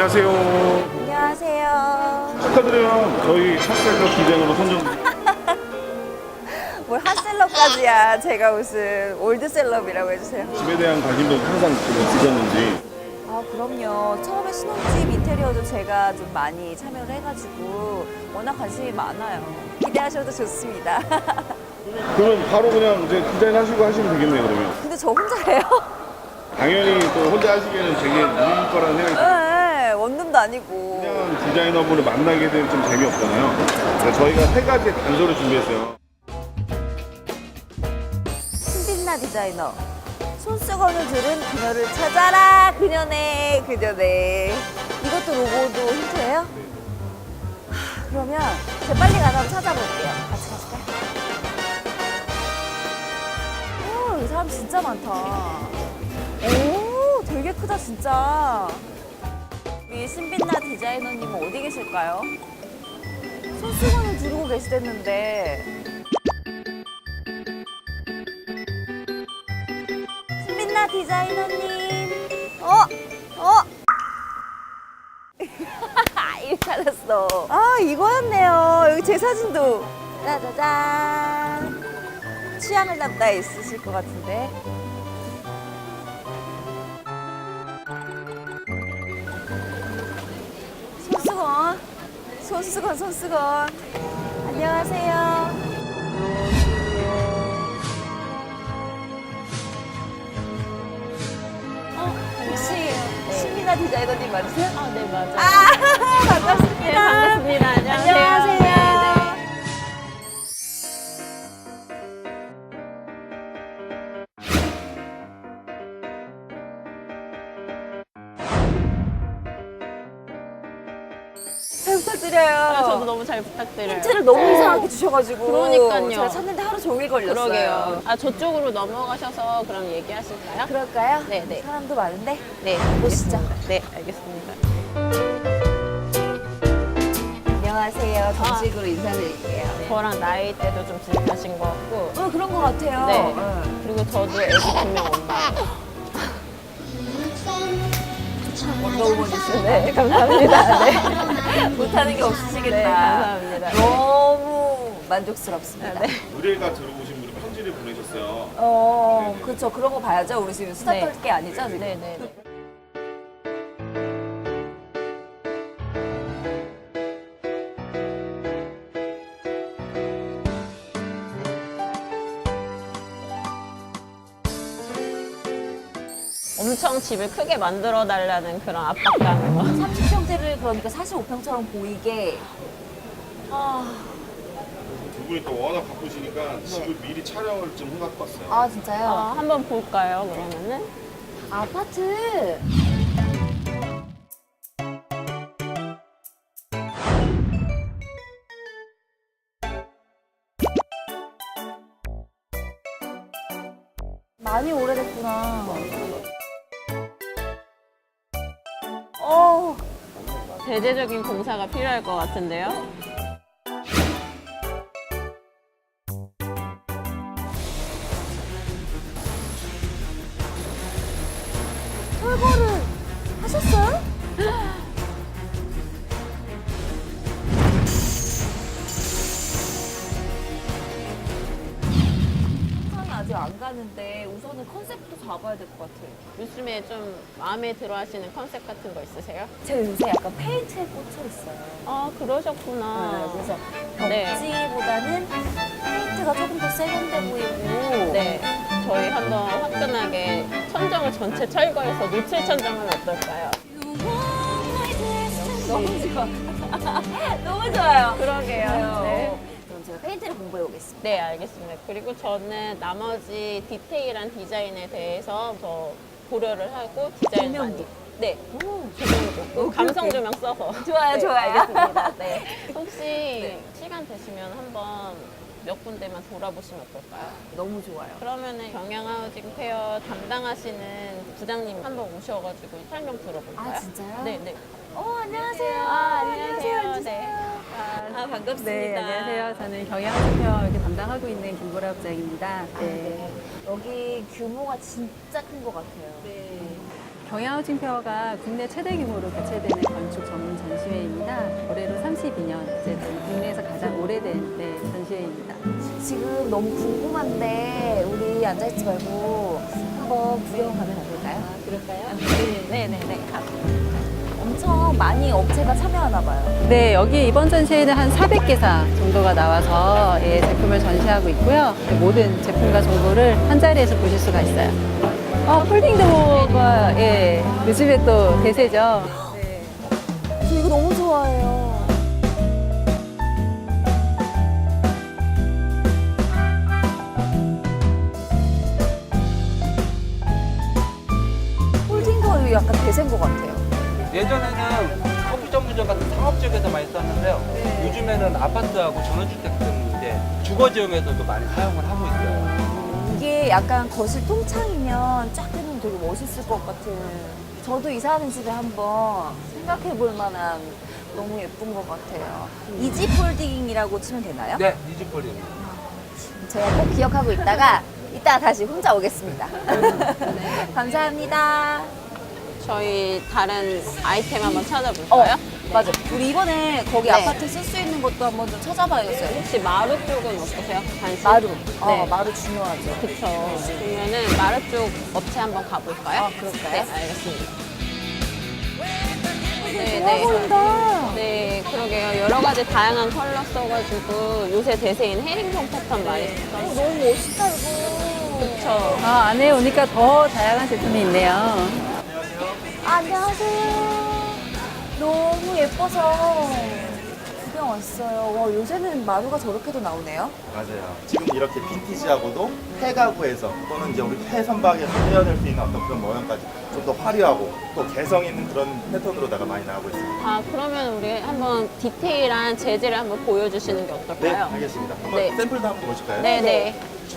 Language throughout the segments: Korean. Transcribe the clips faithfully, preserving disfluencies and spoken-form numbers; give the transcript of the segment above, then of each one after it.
안녕하세요. 안녕하세요. 축하드려요. 저희 핫셀럽 디자이너로 선정. 뭘 핫셀럽까지야. 제가 무슨 올드셀럽이라고 해주세요. 집에 대한 관심도 항상 좀 있으셨는지. 아 그럼요. 처음에 신혼집 인테리어도 제가 좀 많이 참여를 해가지고 워낙 관심이 많아요. 기대하셔도 좋습니다. 그러면 바로 그냥 이제 디자인 하시고 하시면 되겠네요, 그러면. 근데 저 혼자 해요? 당연히 또 혼자 하시기에는 되게 무리일 거라는 생각이 들어요. 네, 원룸도 아니고. 그냥 디자이너분을 만나게 되면 좀 재미없잖아요. 그래서 저희가 세 가지의 단서를 준비했어요. 신빛나 디자이너. 손수건을 들은 그녀를 찾아라. 그녀네, 그녀네. 이것도 로고도 힌트예요? 하, 그러면 제가 빨리 가서 한번 찾아볼게요. 같이 가실까요? 오, 이 사람 진짜 많다. 오, 되게 크다, 진짜. 우리 신빛나 디자이너님은 어디 계실까요? 손수건을 두르고 계시댔는데. 신빛나 디자이너님. 어? 어? 일 찾았어. 아, 이거였네요. 여기 제 사진도. 짜자잔. 취향을 담다 있으실 것 같은데. 손수건. 손수건, 손수건. 안녕하세요. 혹시 신미나 디자이너님 맞으세요? 아, 네, 맞아요. 아, 반갑습니다. 네, 반갑습니다. 안녕하세요. 안녕하세요. 네, 네. 잘 부탁드려요. 아, 저도 너무 잘 부탁드려요. 힌트를 너무 이상하게 주셔가지고 그러니까요. 제가 찾는데 하루 종일 걸렸어요. 그러게요. 아, 저쪽으로 넘어가셔서 그럼 얘기하실까요? 그럴까요? 네, 네. 사람도 많은데. 네, 보시죠. 알겠습니다. 네, 알겠습니다. 안녕하세요. 정식으로 인사드릴게요. 저랑 나이대도 좀 비슷하신 것 같고. 어, 그런 것 같아요. 네. 응. 그리고 저도 애기 두 명 엄마예요. 원더우먼이시네. 네, 감사합니다. 네. 못하는 게 없으시겠다. 네, 감사합니다. 네. 너무 만족스럽습니다. 네. 의뢰가 들어오신 분이 편지를 보내셨어요. 어, 그렇죠. 그런 거 봐야죠. 우리 지금 수다 네. 떨 게 아니죠, 지금? 네, 네, 네. 엄청 집을 크게 만들어 달라는 그런 압박감을 막. 삼십 평대를 그러니까 사십오 평처럼 보이게. 아, 두 분이 또 워낙 바쁘시니까 집을 미리 촬영을 좀 해갖고 왔어요. 아 진짜요? 어, 한번 볼까요, 그러면은? 아파트. 많이 오래됐구나. 어, 대대적인 공사가 필요할 것 같은데요? 철거를 하셨어요? 상상이 아직 안 가는데 우선은 컨셉부터 잡아야 될 것 같아요. 요즘에 좀 마음에 들어 하시는 컨셉 같은 거 있으세요? 제가 요새 약간 페인트에 꽂혀 있어요. 아, 그러셨구나. 네, 그래서 네. 벽지보다는 페인트가 조금 더 세련돼 보이고. 네. 저희 한번 화끈하게 천정을 전체 철거해서 노출 천정은 어떨까요? 너무 좋아. 너무 좋아요. 그러게요. 네. 그럼 제가 페인트를 공부해 오겠습니다. 네, 알겠습니다. 그리고 저는 나머지 디테일한 디자인에 대해서 더 고려를 하고 디자인 많이. 조명도. 네. 오, 조명도. 오케이, 감성 오케이. 조명 써서. 좋아요, 네, 좋아요. 알겠습니다. 네. 혹시 네. 시간 되시면 한번 몇 군데만 돌아보시면 어떨까요? 너무 좋아요. 그러면은 경양하우징 페어 담당하시는 부장님 한번 오셔가지고 설명 들어볼까요? 아, 진짜요? 네, 네. 어, 안녕하세요. 아, 안녕하세요. 앉으세요. 네. 아, 반갑습니다. 네, 안녕하세요. 저는 경영대표 이렇게 담당하고 있는 김보라 부장입니다. 네. 여기 규모가 진짜 큰 것 같아요. 네. 경양하우징 페어가 국내 최대 규모로 개최되는 건축 전문 전시회입니다. 올해로 삼십이 년, 이제 국내에서 가장 오래된 네, 전시회입니다. 지금 너무 궁금한데 우리 앉아있지 말고 한번 구경 가면 안 될까요? 아, 그럴까요? 네네네. 엄청 많이 업체가 참여하나 봐요. 네, 여기 이번 전시회는 한 사백 개사 정도가 나와서 예, 제품을 전시하고 있고요. 모든 제품과 정보를 한 자리에서 보실 수가 있어요. 어, 폴딩 도어가 예, 요즘에 또 대세죠. 네. 저 이거 너무 좋아해요. 폴딩도 이거 약간 대세인 것 같아요. 예전에는 커피 전문점 같은 상업 지역에서 많이 썼는데요. 네. 요즘에는 아파트하고 전원주택 등 이제 주거 지역에서도 많이 사용을 하고 있어요. 이게 약간 거실 통창이면 쫙 해놓으면 되게 멋있을 것 같은. 저도 이사하는 집에 한번 생각해 볼 만한 너무 예쁜 것 같아요. 이지 폴딩이라고 치면 되나요? 네, 이즈폴이. 제가 꼭 기억하고 있다가 이따 다시 혼자 오겠습니다. 감사합니다. 저희 다른 아이템 한번 어, 찾아볼까요? 맞아. 우리 이번에 거기 네. 아파트 쓸 수 있는 것도 한번 좀 찾아봐야겠어요. 혹시 마루 쪽은 어떠세요? 관심? 마루. 어, 네. 마루 중요하죠. 그쵸. 그러면은 마루 쪽 업체 한번 가볼까요? 아, 그럴까요? 네, 알겠습니다. 네, 좋아 보인다. 네, 그러게요. 여러 가지 다양한 컬러 써가지고 요새 대세인 헤링본 패턴 많이 어, 써있어요. 너무 멋있다, 이거. 그쵸. 아, 안에 오니까 더 다양한 제품이 있네요. 안녕하세요. 너무 예뻐서 구경 왔어요. 와, 요새는 마루가 저렇게도 나오네요. 맞아요. 지금 이렇게 빈티지하고도 폐가구에서 또는 이제 우리 폐선박에서 떼어낼 수 있는 어떤 그런 모양까지 좀 더 화려하고 또 개성 있는 그런 패턴으로다가 많이 나오고 있습니다. 아, 그러면 우리 한번 디테일한 재질을 한번 보여주시는 게 네, 어떨까요? 알겠습니다. 한번 네. 샘플도 한번 보실까요? 네, 네.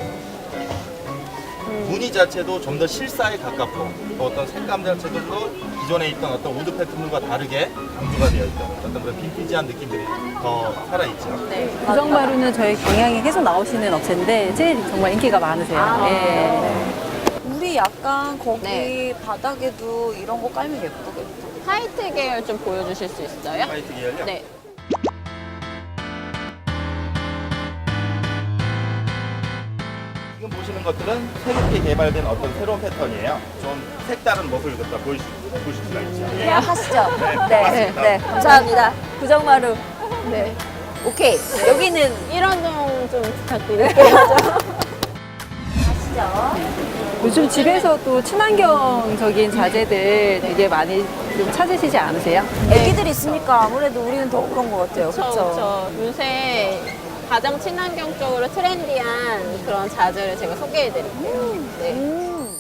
무늬 자체도 좀 더 실사에 가깝고 또 어떤 색감 자체도 또 기존에 있던 어떤 우드 패턴들과 다르게 강조가 되어 있던 어떤 그런 빈티지한 느낌들이 더 살아있죠. 네. 구정마루는 저희 경향에 계속 나오시는 업체인데 제일 정말 인기가 많으세요. 아. 예. 우리 약간 거기 네. 바닥에도 이런 거 깔면 예쁘겠다. 화이트 계열 좀 보여주실 수 있어요? 화이트 계열요? 네. 지금 보시는 것들은 새롭게 개발된 어떤 새로운 패턴이에요. 좀 색다른 모습을 갖다 보실, 보실 수가 있죠. 계약하시죠? 네. 맞습니다. 네. 감사합니다. 구정마루. 네. 오케이. 여기는 일원 좀 부탁드릴게요. 가시죠. 요즘 집에서 또 친환경적인 자재들 되게 많이 좀 찾으시지 않으세요? 애기들 있으니까 아무래도 우리는 더 그런 것 같아요. 그쵸, 그쵸. 요새 가장 친환경적으로 트렌디한 그런 자재를 제가 소개해드릴게요. 네. 음.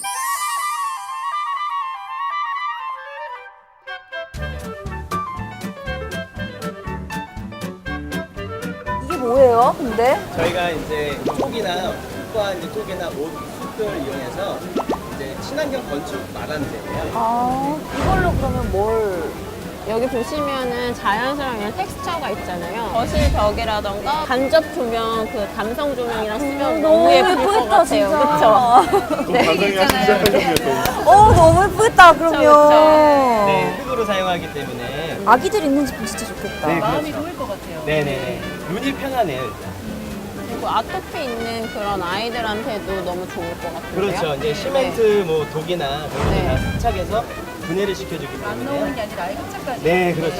이게 뭐예요, 근데? 저희가 이제 톡이나 흙과 이제 톡이나 옷, 숲을 이용해서 이제 친환경 건축 마감재예요. 아, 이걸로 그러면 뭘. 여기 보시면은 자연스러운 이런 텍스처가 있잖아요. 거실 벽이라던가 간접 조명, 그 감성 조명이랑 쓰면 너무 예쁠 것 같아요. 그쵸? 좀 반성이 하시기 시작하셨네요. 또. 어, 너무 예쁘겠다, 그러면. 그쵸. 네, 흙으로 사용하기 때문에. 아기들 있는 집 보면 진짜 좋겠다. 네, 마음이 좋을 것 같아요. 네네네. 눈이 편하네요, 일단. 그리고 아토피 있는 그런 아이들한테도 너무 좋을 것 같아요. 그렇죠. 이제 시멘트, 뭐 독이나 그런 네. 거다 세척해서 분해를 시켜주기 안 때문에. 넣는 게 아니라 아예 흡착까지. 네, 그렇죠.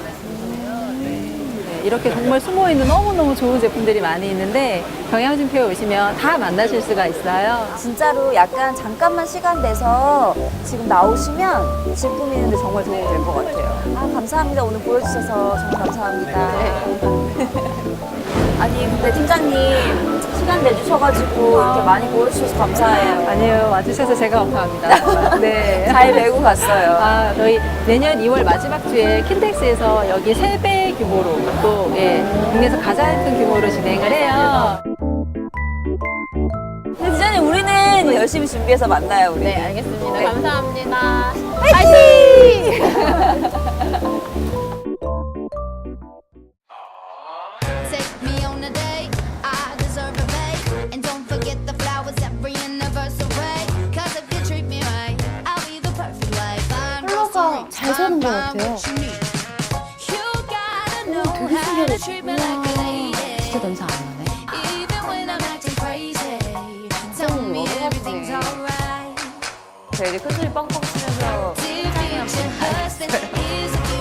네, 이렇게 정말 숨어있는 너무너무 좋은 제품들이 많이 있는데 경향진표에 오시면 다 만나실 수가 있어요. 진짜로 약간 잠깐만 시간 내서 지금 나오시면 집 꾸미는데 정말 도움이 될 것 같아요. 아, 감사합니다. 오늘 보여주셔서 정말 감사합니다. 아니, 근데 팀장님 시간 내주셔가지고 이렇게 많이 보여주셔서 감사해요. 아니요, 와주셔서 제가 감사합니다. 네. 잘 메고 갔어요. 아, 저희 내년 이월 마지막 주에 킨텍스에서 여기 세 배 규모로 또 예, 국내에서 가장 큰 규모로 진행을 해요. 근데 디자이님 우리는 열심히 준비해서 만나요, 우리. 네, 알겠습니다. 네. 감사합니다. 파이팅! Take me on a date, I deserve a break. And don't forget the flowers every anniversary. Cause if you treat me right, I'll be the perfect wife. 괜찮은 것 같아요. 오, 되게 신기하다. 진짜 냄새 안 나네. 저 이제 큰소리 뻥뻥 치면서